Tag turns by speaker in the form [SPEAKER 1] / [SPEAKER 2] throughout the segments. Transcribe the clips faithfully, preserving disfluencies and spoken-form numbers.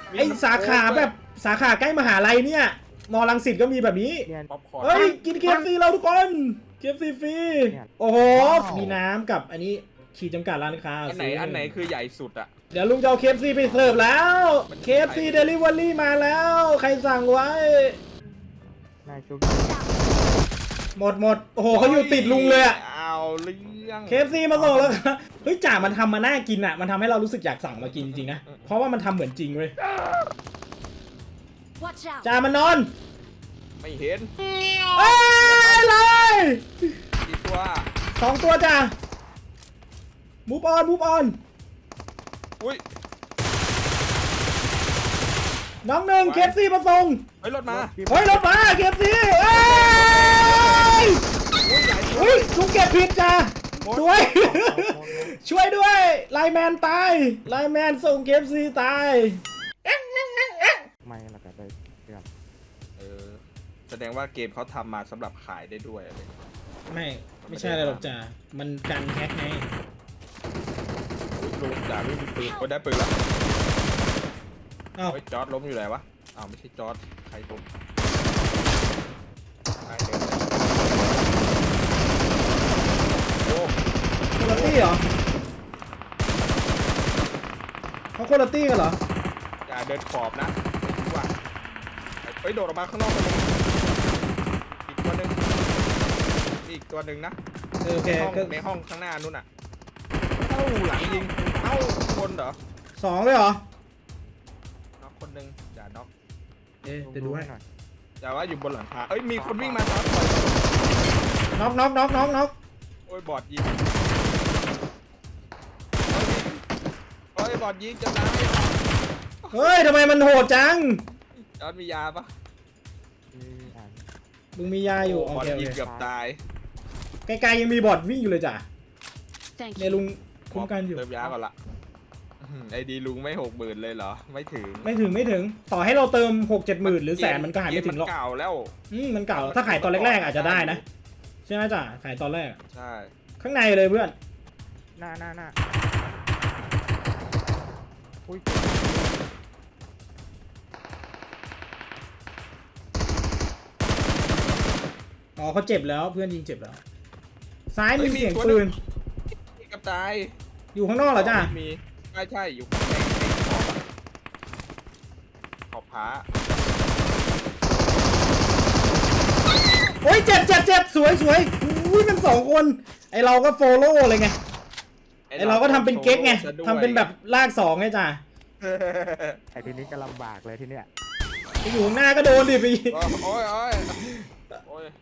[SPEAKER 1] ไอสาขาแบบสาขาใกล้มหาลัยเนี่ยมอรังสิตก็มีแบบนี้เฮ้ยกินเคฟซีเราทุกคนเคฟซีฟรีโอ้โหมีน้ำกับอันนี้ขีดจำกัดร้านค้า
[SPEAKER 2] อันไหนอันไหนคือใหญ่สุดอ่ะ
[SPEAKER 1] เดี๋ยวลุงจะเอาเคฟซีไปเสิร์ฟแล้วเคฟซีเดลิเวอรี่มาแล้วใครสั่งไว้หมดหมดโอ้โหเขาอยู่ติดลุงเลยอะ
[SPEAKER 2] เอาเรื่อง
[SPEAKER 1] เคฟซีมาส่งแล้วเฮ้ยจ่ามันทำมาน่ากินอ่ะมันทำให้เรารู้สึกอยากสั่งมากินจริงๆนะเพราะว่ามันทำเหมือนจริงเว้ยจ่ามันนอน
[SPEAKER 2] ไม่เห็น
[SPEAKER 1] เอ้ยเลย
[SPEAKER 2] กี่ตัว
[SPEAKER 1] สองตัวจ้ามูฟออนมูฟออน
[SPEAKER 2] อุ้ย
[SPEAKER 1] น้องหนึ่งเคฟซีมาส่ง
[SPEAKER 2] เฮ้ยรถมา
[SPEAKER 1] เฮ้ยรถมาเคฟซีเอ้ยอุ้ยลุงเก็บผิดจ้าช่วยช่วยด้วยไลแมนตายไลแมนส่งเคฟซีตาย
[SPEAKER 3] ไม่ละกันเลยครับ
[SPEAKER 2] เออแสดงว่าเกมเขาทำมาสำหรับขายได้ด้วยอะไร
[SPEAKER 1] ไม่ไม่ใช่อะไรหรอกจ้ามันกันแฮกไง
[SPEAKER 2] ลุงจ่าไม่มีปืนก็ได้ปืนแล้ว
[SPEAKER 1] อ้าว
[SPEAKER 2] จอร์ดล้มอยู่ไหนวะอ้าวไม่ใช่จอร์ดใครล้มโอ้
[SPEAKER 1] คนละตี้เหรอเขาคนละตี้กันเหรอ
[SPEAKER 2] อย่าเดินขอบนะไม่รู้ว่าไปโดดออกมาข้างนอกเลยอีกตัวหนึ่งอีกตัวหนึ่งนะ
[SPEAKER 1] โอเค
[SPEAKER 2] ในห้องข้างหน้านู่นอ่ะเอ้าหลังยิงเอ้าคนเหรอ
[SPEAKER 1] สองเลยเหรอ
[SPEAKER 2] น็อกคนหนึ่งอย่าน็อก
[SPEAKER 1] เอ๊ะเดี๋ยวดูให้หน่อย
[SPEAKER 2] อย่าว่าอยู่บนหลังคาเอ้ยมีคนวิ่งมาครับ
[SPEAKER 1] น็อกน็อกน็อกน็อกน็อก
[SPEAKER 2] โอ้ยบอดยิงโอ้ยบอดยิงจะตาย
[SPEAKER 1] เฮ้ยทำไมมันโหดจัง
[SPEAKER 2] จอร์ดมียาปะ
[SPEAKER 1] มึงมียาอยู่
[SPEAKER 2] บอดยิงเกือบตาย
[SPEAKER 1] ไกลๆยังมีบอดวิ่งอยู่เลยจ้ะเนี่ยลุงคุ้มกันอยู่
[SPEAKER 2] เติมยาก่อนละไอดีลุงไม่หกหมื่นเลยเหรอไม่ถึง
[SPEAKER 1] ไม่ถึงไม่ถึงต่อให้เราเติมหกเจ็ดหมื่นหรือแสนมันก็หายไม่ถึงหรอก
[SPEAKER 2] เก่าแล้ว
[SPEAKER 1] อืมมันเก่าถ้าขายตอนแรกๆอาจจะได้นะใช่ไหมจ้ะขายตอนแรก
[SPEAKER 2] ใช่
[SPEAKER 1] ข้างในเลยเพื่อน
[SPEAKER 3] หน้าหน้าหน้าอุ้ย
[SPEAKER 1] อ๋อเขาเจ็บแล้วเพื่อนยิงเจ็บแล้วซ้ายมีเสียงปืน
[SPEAKER 2] กับตาย
[SPEAKER 1] อยู่ข้างนอกเหรอจ้า
[SPEAKER 2] มีใช่ใช่อยู่ในขอบผา
[SPEAKER 1] โอ้ยเจ็บเจ็บเจ็บสวยสวยอุ้ยมันสองคนไอเราก็โฟโล่เลยไงไอเราก็ทำเป็นเก๊กไงทำเป็นแบบลากสองไงจ้า
[SPEAKER 3] ไอทีนี้ก็ลำบากเลยทีเนี้ย
[SPEAKER 1] ไปอยู่ข้างหน้าก็โดนดิพี่
[SPEAKER 2] โอ้ยโอ้ยโอ้ย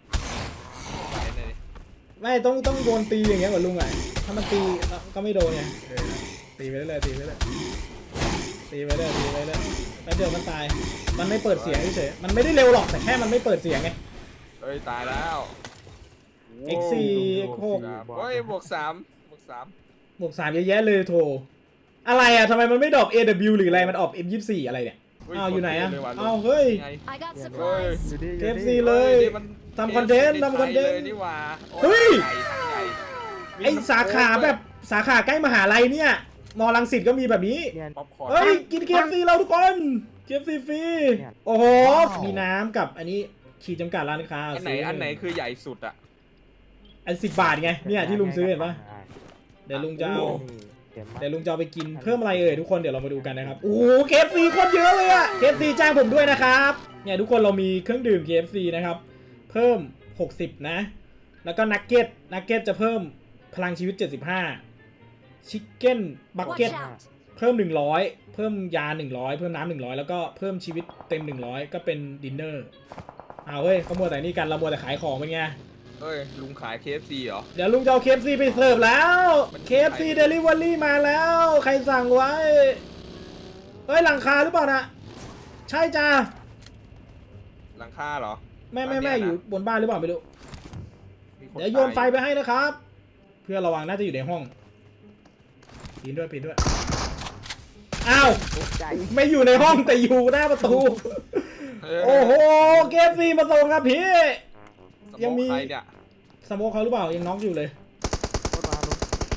[SPEAKER 1] ไม่ต้องต้องโดนตีอย่างเงี้ยเหมือนลุงไงถ้ามันตีก็ไม่โดนไงตีไปเรื่อยตีไปเรื่อยตีไปเรื่อยตีไปเรื่อยแล้วเดี๋ยวมันตายมันไม่เปิดเสียงเฉยมันไม่ได้เร็วหรอกแต่แค่มันไม่เปิดเสียงไง
[SPEAKER 2] เฮ้ยตายแล้ว
[SPEAKER 1] เอ็กซ์ สี่ เอ็กซ์ หก
[SPEAKER 2] เฮ้ยบวกสามบวกสาม
[SPEAKER 1] บวกสามเยอะแยะเลยโถอะไรอ่ะทำไมมันไม่ดรอป เอ ดับเบิลยู หรืออะไรมันออก เอ็ม ยี่สิบสี่ อะไรเนี่ยอ้าวอยู่ไหนอ่ะอ้าวเฮ้ยเค เอฟ ซี เลยทำคอนเทนต์ทำคอนเทนต์เฮ้ยไอสาขาแบบสาขาใกล้มหาลัยเนี่ยมอรังสิตก็มีแบบนี้เฮ้ยกิน เค เอฟ ซี เราทุกคน เค เอฟ ซี ฟรีโอ้โหมีน้ำกับอันนี้ขีดจำกัดร้านค้า
[SPEAKER 2] อันไหนอันไหนคือใหญ่สุดอ่ะ
[SPEAKER 1] อันสิบบาทไงเนี่ยที่ลุงซื้อเห็นปะเดี๋ยวลุงจะเอาเดี๋ยวลุงจะเอาไปกินเพิ่มอะไรเอ่ยทุกคนเดี๋ยวเรามาดูกันนะครับโอ้โห เค เอฟ ซี โคตรเยอะเลยอะ เค เอฟ ซี จ้างผมด้วยนะครับเนี่ยทุกคนเรามีเครื่องดื่ม เค เอฟ ซี นะครับเพิ่มหกสิบนะแล้วก็นักเก็ตนักเก็ตจะเพิ่มพลังชีวิตเจ็ดสิบห้าชิคเก้นบักเก็ตเพิ่มหนึ่งร้อยเพิ่มยาหนึ่งร้อยเพิ่มน้ำหนึ่งร้อยแล้วก็เพิ่มชีวิตเต็มหนึ่งร้อยก็เป็นดินเนอร์เอาเฮ้ยเขามัวแต่นี่กันเรามัวแต่ขายของเป็นไง
[SPEAKER 2] เฮ้ยลุงขาย เค เอฟ ซี เหรอ
[SPEAKER 1] เดี๋ยวลุงจะเอา เค เอฟ ซี ไปเสิร์ฟแล้ว เค เอฟ ซี Delivery มาแล้วใครสั่งไว้เฮ้ยหลังคาหรือเปล่านะใช่จ้า
[SPEAKER 2] หลังคาเหรอ
[SPEAKER 1] ไม่ไม่ไม่อยู่บนบ้านหรือเปล่าไม่รู้เดี๋ยวโยนไฟไปให้นะครับเพื่อระวังน่าจะอยู่ในห้องปีนด้วยปีนด้วยอ้าวไม่อยู่ในห้องแต่อยู่หน้าประตูโอ้โห เค เอฟ ซี มาส่งครับพี่ยังมีสโมคเขาหรือเปล่ายังน็อกอยู่เลย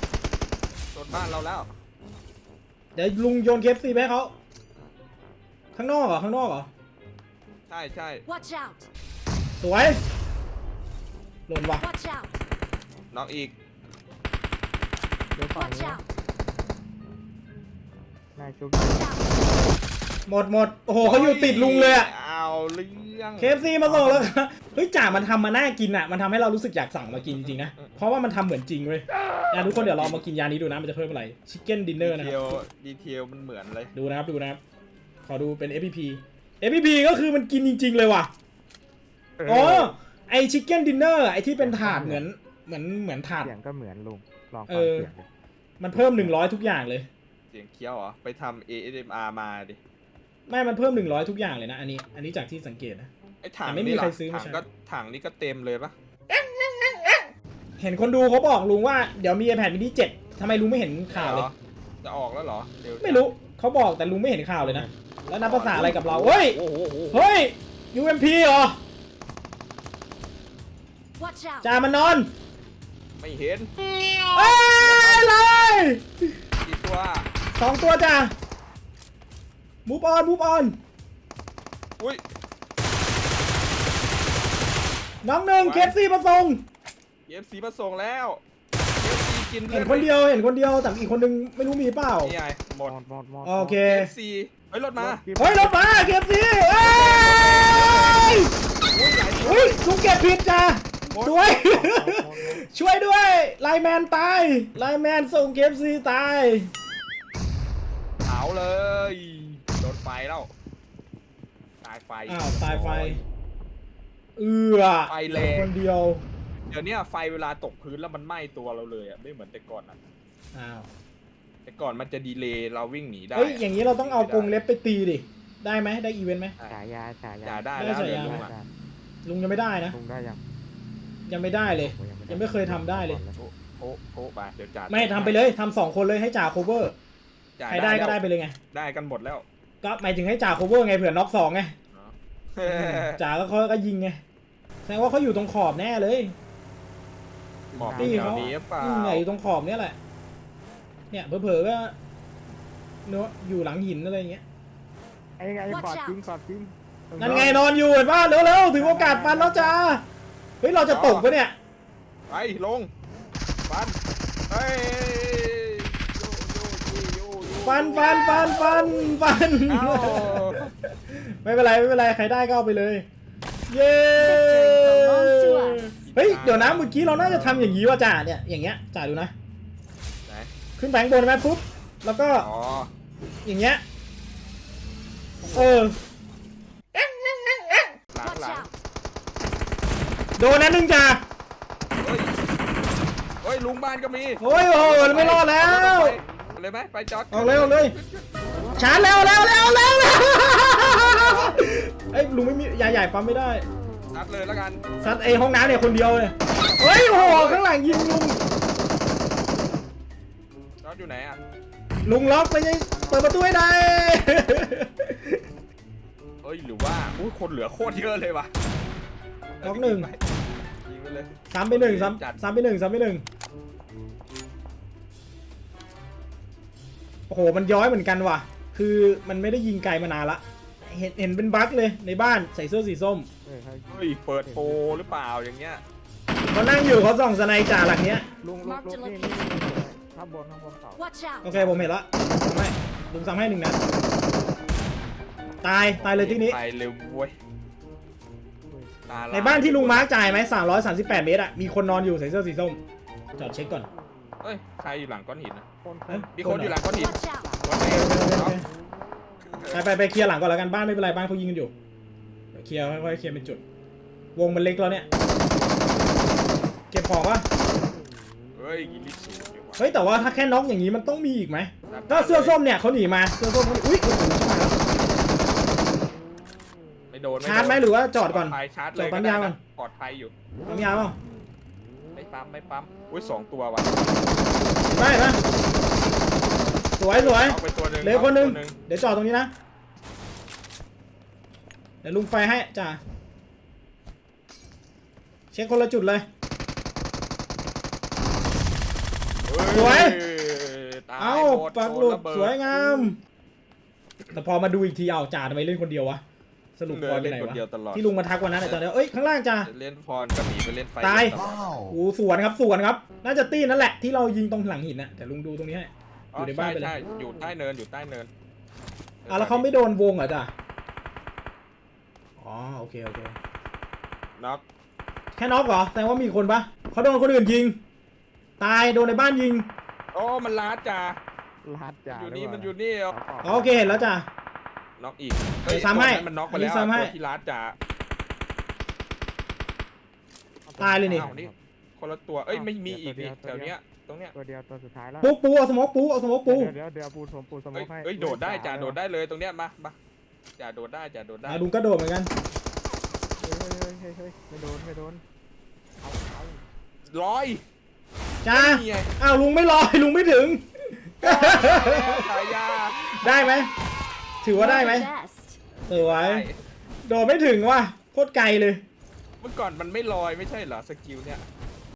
[SPEAKER 2] โดนบ้านเราแล้ว
[SPEAKER 1] เดี๋ยวลุงโยน เค เอฟ ซี ไปให้เขาข้างนอกเหรอข้างนอกเหรอ
[SPEAKER 2] ใช่ใช่
[SPEAKER 4] Watch out!
[SPEAKER 1] สวยหล่นว่ะ
[SPEAKER 4] Watch out!
[SPEAKER 2] น็อกอีก
[SPEAKER 3] เดี๋ยวฝั่ง
[SPEAKER 4] Watch
[SPEAKER 3] นี้
[SPEAKER 4] out!
[SPEAKER 3] นายชุบ
[SPEAKER 4] Watch out!
[SPEAKER 1] หมดหมดโอ้โหเขาอยู่ติดลุงเลยอะ
[SPEAKER 2] เอาเรื่อง
[SPEAKER 1] เค เอฟ ซี มาส่งแล้วครับเฮ้ยจ่ามันทำมาน่ากินอะมันทำให้เรารู้สึกอยากสั่งมากินจริงๆนะเพราะว่ามันทำเหมือนจริงเว้ยนะทุกคนเดี๋ยวลองมากินยานี้ดูนะมันจะเพิ่มอะไรชิคเก้นดินเนอร์นะค
[SPEAKER 2] ดีเท
[SPEAKER 1] รับ
[SPEAKER 2] ลดีเทลมันเหมือนเลย
[SPEAKER 1] ดูนะครับดูนะครับขอดูเป็น เอฟ พี พี เอฟ พี พี ก็คือมันกินจริงๆเลยว่ะอ๋อไอชิคเก้นดินเนอร์ไอที่เป็นถาดเหมือนเหมือนเหมือนถาด
[SPEAKER 3] เสียงก็เหมือนลุงลอง
[SPEAKER 1] เอ
[SPEAKER 3] ฟัง
[SPEAKER 1] อ
[SPEAKER 3] เสียงดิ
[SPEAKER 1] มันเพิ่มหนึ่งร้อยทุกอย่างเลย
[SPEAKER 2] เสียงเคี้ยวเหรอไปทำ เอ เอส เอ็ม อาร์ มาดิ
[SPEAKER 1] ไม่มันเพิ่มหนึ่งร้อยทุกอย่างเลยนะอันนี้อันนี้จากที่สังเกตนะ
[SPEAKER 2] ไอ้ถัง
[SPEAKER 1] แต่ไม่มี
[SPEAKER 2] นี่
[SPEAKER 1] ใคร
[SPEAKER 2] ล่ะ
[SPEAKER 1] ซื้อมา
[SPEAKER 2] ถัง
[SPEAKER 1] ใช้
[SPEAKER 2] ก็ถังนี่ก็เต็มเลยปะ
[SPEAKER 1] เห็นคนดูเขาบอกลุงว่าเดี๋ยวมี iPad mini เจ็ดทำไมลุงไม่เห็นข่าวเลย
[SPEAKER 2] จะออกแล้วเหรอเร็วจัง
[SPEAKER 1] ไม่รู้เขาบอกแต่ลุงไม่เห็นข่าวเลยนะแล้วนับภาษาอะไรกับเราเฮ้ย
[SPEAKER 2] โอ้โหโอ้โห
[SPEAKER 1] เฮ้ย ยู เอ็ม พี เหรอ
[SPEAKER 4] Watch out!
[SPEAKER 1] จ่ามันนอน
[SPEAKER 2] ไม่เห็น
[SPEAKER 1] เอ้ยเลย
[SPEAKER 2] กี่ตัว
[SPEAKER 1] สองตัวจ้ามูฟออนมูฟออน
[SPEAKER 2] อุ้ย
[SPEAKER 1] น้องหนึ่งเคฟซีมาส่ง
[SPEAKER 2] เอฟซีมาส่งแล้วเอฟซีกิน
[SPEAKER 1] เห็นคนเดียวเห็นคนเดียวแต่อีกคนนึงไม่รู้มีเปล่า
[SPEAKER 2] นี่ไงหม
[SPEAKER 3] หม
[SPEAKER 2] ด
[SPEAKER 3] ดหมดหมด
[SPEAKER 1] โอเค
[SPEAKER 2] เอฟซีเฮ้ยรถมา
[SPEAKER 1] เฮ้ยรถมาเคฟซีเอ้ย
[SPEAKER 2] อุ้ยหลายตัว
[SPEAKER 1] เฮ้ยลุงเก็บผิดจ้า
[SPEAKER 2] หมด
[SPEAKER 1] ช่วย
[SPEAKER 3] หมดหมดหมด
[SPEAKER 1] ช่วยด้วยไลน์แมนตายไลน์แมนส่งเคฟซีตาย
[SPEAKER 2] เผาเลยโดนไฟแล้วตายไฟ
[SPEAKER 1] อ้าวตายไฟเอือ
[SPEAKER 2] ไฟแรง
[SPEAKER 1] คนเดียว
[SPEAKER 2] เดี๋ยวเนี้ยไฟเวลาตกพื้นแล้วมันไหม้ตัวเราเลยอ่ะไม่เหมือนแต่ก่อนนะ
[SPEAKER 1] อ้าว
[SPEAKER 2] แต่ก่อนมันจะดีเลย์เราวิ่งหนีได้
[SPEAKER 1] เฮ้ยอย่างนี้เราต้องเอากรงเล็บไปตีดิได้ไหมได้อีเวนต์ไหม
[SPEAKER 3] ฉายาฉายา
[SPEAKER 2] อย่าได้
[SPEAKER 1] ได้
[SPEAKER 2] แล้ว
[SPEAKER 1] ฉายา
[SPEAKER 2] เดี๋ยวลุง
[SPEAKER 3] ได้
[SPEAKER 2] อ่ะ
[SPEAKER 1] ลุงยังไม่ได้นะ
[SPEAKER 3] ลุงได้ยัง
[SPEAKER 1] ยังไม่ได้เลย
[SPEAKER 3] โอ้
[SPEAKER 1] ยังไม่เคยทำได้เลย
[SPEAKER 2] โอ้โอ้โอ้ไปเดี๋ยวจ่า
[SPEAKER 1] ไม่ทำไปเลยทำสองคนเลยให้จ่าโคเวอร์
[SPEAKER 2] จ่า
[SPEAKER 1] ใครได้ก็ได้
[SPEAKER 2] แล้ว
[SPEAKER 1] ไปเลยไง
[SPEAKER 2] ได้กันหมดแล้ว
[SPEAKER 1] ก็หมายถึงให้จ่าโคเวอร์ไงเผื่อน็อกสองไง
[SPEAKER 2] เออ
[SPEAKER 1] จ่าก็เขาก็ยิงไงแสดงว่าเขาอยู่ตรงขอบแน่เลย
[SPEAKER 2] หมอบ
[SPEAKER 1] นี่
[SPEAKER 2] แถว
[SPEAKER 1] เขา
[SPEAKER 2] นี้หรือเปล่า
[SPEAKER 1] อืมเนี่ยอยู่ตรงขอบเนี่ยแหละ เนี่ยเผลอๆก็เนาะอยู่หลังหินอะไรอย่างเงี้ย
[SPEAKER 3] ไอ้ไงกอดจริงกอดจริง
[SPEAKER 1] นั่นไงนอนอยู่เห็นป่ะเร็วๆถึงโอกาสฟันแล้วจ้าเฮ้ยเราจะตกปะเนี่ย
[SPEAKER 2] ไปลงฟันเฮ้ยโยโยโยโยโย
[SPEAKER 1] ฟันฟันฟันฟันฟัน
[SPEAKER 2] เอ้า
[SPEAKER 1] ไม่เป็นไรไม่เป็นไรใครได้ก็เอาไปเลย เย้
[SPEAKER 4] belongs to us
[SPEAKER 1] เฮ้ยเดี๋ยวนะเมื่อกี้เราน่าจะทำอย่างนี้ว่ะจ่าเนี่ยอย่างเงี้ยจ่าดูนะ
[SPEAKER 2] ไหน
[SPEAKER 1] ขึ้นไปข้างบนไหมปุ๊บแล้วก็
[SPEAKER 2] อ๋อ
[SPEAKER 1] อย่างเงี้ยเออ
[SPEAKER 2] หลัง
[SPEAKER 4] Watch
[SPEAKER 2] หลัง
[SPEAKER 4] out!
[SPEAKER 1] โดนนั้นหนึ่งจ่า
[SPEAKER 2] เฮ้ยเฮ้ยลุงบ้านก็มี
[SPEAKER 1] โอ้ยโอ้ยไม่รอดแล้ว
[SPEAKER 2] ไปเลยไหมไปจอด
[SPEAKER 1] ออกเลยออกเลยชาร์จเร็วเร็วเร็วเร็วเร็วเอ้ยลุงไม่มียาใหญ่ปั๊มไม่ได้
[SPEAKER 2] นัดเลยแล้วกัน
[SPEAKER 1] ซัดไอห้องน้ำเนี่ยคนเดียวเลยเฮ้ยโอ้โหข้างหลังยิงลุง
[SPEAKER 2] จอดอยู่ไหนอ่ะ
[SPEAKER 1] ลุงล็อกไปยังเปิดประตูให้ได้
[SPEAKER 2] เอ้ยหรือว่าอุ้ยคนเหลือโคตรเยอะเลยว่ะ
[SPEAKER 1] ล็อกหนึ่ง
[SPEAKER 2] ยิงไปเลย
[SPEAKER 1] ซ้ำไปหนึ่ง
[SPEAKER 2] จัด
[SPEAKER 1] ซ้ำซ้ำไปหนึ่งซ้ำไปหนึ่งโอ้โหมันย้อยเหมือนกันว่ะคือมันไม่ได้ยิงไกลมานานละเห็นเห็นเป็นบั๊กเลยในบ้านใส่เสื้อสีส้ม
[SPEAKER 3] เฮ้ยเขา
[SPEAKER 2] เฮ้ยเปิดโปรหรือเปล่าอย่างเงี้ย
[SPEAKER 1] เขานั่งอยู่เขาส่องสไนจ่าหลังเนี้ย
[SPEAKER 3] ลุงลุงลุงนี่นี่ข้างบนข้างบนเขา
[SPEAKER 4] Watch
[SPEAKER 1] โอ
[SPEAKER 4] out!
[SPEAKER 1] เคผมเห็นละไม่ลุงซ้ำให้หนึ่งนัดตายตายเลยที่นี้
[SPEAKER 2] ไปเร็วเว้ยตลย
[SPEAKER 1] ในบ้านที่ลุงมาร์กจ่ายไหมสามร้อยสามสิบแปดเมตรอะมีคนนอนอยู่ใส่เสื้อสีส้มจอดเช็คก่อน
[SPEAKER 2] เอ้ยใครอยู่หลังก้อนหินนะ
[SPEAKER 3] คนค
[SPEAKER 1] เอ้
[SPEAKER 3] น
[SPEAKER 1] ย
[SPEAKER 2] มีคนอยู่หลังก้อนหิน
[SPEAKER 4] Watch out!
[SPEAKER 2] ก้อนหิน
[SPEAKER 1] ไปไปไปเคลียร์หลังก่อนแล้วกันบ้านไม่เป็นไรบ้านเขายิงกันอยู่เดี๋ยวเคลียร์ค่อยๆเคลียร์เป็นจุด วงมันเล็กแล้วเนี่ยเก็บของวะ
[SPEAKER 2] เฮ้ยยิงลิสูดีกว่า
[SPEAKER 1] เฮ้ยแต่ว่าถ้าแค่น็อกอย่างนี้มันต้องมีอีกไหมก็เสื้อส้มเนี่ยเขาหนีมาเสื้อส้มเขาหนีอุ้ยโอ้โหชิบหายแล้ว
[SPEAKER 2] ไม่โดน
[SPEAKER 1] ชาร์จไหมหรือว่าจอดก่อน
[SPEAKER 2] ปลภัยชาร์จเลย
[SPEAKER 1] จอดปั๊ม
[SPEAKER 2] ก็ได้
[SPEAKER 1] ยาวก่อ
[SPEAKER 2] นะ
[SPEAKER 1] น
[SPEAKER 2] ปลอดภัยอยู่
[SPEAKER 1] ปั๊มยาเปล่า
[SPEAKER 2] ไม่ปั๊มไม่ปั๊มอุ้ยสองตัวว่ะ
[SPEAKER 1] ได้ไหมสวยสวย
[SPEAKER 2] เอาไปตัวหนึ่ง
[SPEAKER 1] เหลือคนหนึง
[SPEAKER 2] อาไปตัว
[SPEAKER 1] เดี๋ยวจอดตรงนี้นะเดี๋ยวลุงไฟให้จ้าเช็คคนละจุดเลย
[SPEAKER 2] เฮ้
[SPEAKER 1] สวย
[SPEAKER 2] ตาย
[SPEAKER 1] เอ้า
[SPEAKER 2] หมด
[SPEAKER 1] ปักหลุด
[SPEAKER 2] โนระเบิ
[SPEAKER 1] สวยงามแต่พอมาดูอีกทีเอาจ่าทำไมเล่นคนเดียววะสรุป
[SPEAKER 2] เดิ
[SPEAKER 1] พลอย
[SPEAKER 2] น
[SPEAKER 1] ไป
[SPEAKER 2] เล่น
[SPEAKER 1] ไหน
[SPEAKER 2] คน
[SPEAKER 1] วะ
[SPEAKER 2] เดียวตลอด
[SPEAKER 1] ที่ลุงมาทักวันนั้นไอ้ตอนนี้เอ้ยข้างล่างจ่า
[SPEAKER 2] เล่นพรก็หนีไปเล่นไฟ
[SPEAKER 1] ตาย
[SPEAKER 2] ตลอด
[SPEAKER 1] โอ้สวนครับสวนครับ น่าจะตีนั่นแหละที่เรายิงตรงหลังหินนะแต่ลุงดูตรงนี้ให้อ
[SPEAKER 2] อ๋อยู่
[SPEAKER 1] ในบ้านไปเลย
[SPEAKER 2] ใช่ใช่อยู่ใต้เนินอยู่ใต้เนิน
[SPEAKER 1] อ่ะแล้วเขาไม่โดนวงเหรอจ่าอ๋อโอเคโอเค
[SPEAKER 2] น็อก
[SPEAKER 1] แค่น็อกเหรอแสดงว่ามีคนปะเขาโดนคนอื่นยิง ตายโดนในบ้านยิง
[SPEAKER 2] โอ้มันลาดจ่า
[SPEAKER 3] ลาดจ่า
[SPEAKER 2] อยู่
[SPEAKER 3] หรื
[SPEAKER 2] นี่
[SPEAKER 3] เปล่า
[SPEAKER 2] มันอยู่นี่เอา
[SPEAKER 1] อ๋อโอเคเห็นแล้วจ้ะ
[SPEAKER 2] น็อกอีก
[SPEAKER 1] เดี๋ยวซ้ำให้
[SPEAKER 2] ตัวนั้นมันน็อกไปแล้ว
[SPEAKER 1] อันนี้ซ้ำให้
[SPEAKER 2] ตัวที่ลาดจ่า
[SPEAKER 1] ตายเลยนี่
[SPEAKER 2] อ้าวนี่คนละตัวเอ้ยไม่มีอีกนี่แถวเนี้ยตรงเนี้ย
[SPEAKER 3] ตัวเดียวตัวสุดท้ายแล้ว
[SPEAKER 1] ปูปูเอาสโมกปูเอาสโมกปู
[SPEAKER 3] เดี๋ยวเดี๋ยวปูผมปูสม
[SPEAKER 2] เอ้
[SPEAKER 3] อย ให้
[SPEAKER 2] เอ้ยโดดได้จ่าโดดได้เลยตรงเนี้ยมามาจ่าโดดได้จ่าโดดได้
[SPEAKER 1] อ่ะลุงก็โดดเหมือนกัน
[SPEAKER 3] เฮ้ยเฮ้ยเฮ้ยเฮ้ยไม่โดนไม่โดนเอาเอา
[SPEAKER 2] ร้อย
[SPEAKER 1] จ้า
[SPEAKER 2] นี่ไง
[SPEAKER 1] อ้าวลุงไม่ลอยลุงไม่ถึง
[SPEAKER 2] ฉายา
[SPEAKER 1] ได้ไหมถือว่าได้ไหม
[SPEAKER 4] You're the best.
[SPEAKER 1] สวย
[SPEAKER 2] ได้
[SPEAKER 1] โดดไม่ถึงว่ะโคตรไกลเลย
[SPEAKER 2] เมื่อก่อนมันไม่ลอยไม่ใช่เหรอสกิลเนี่ย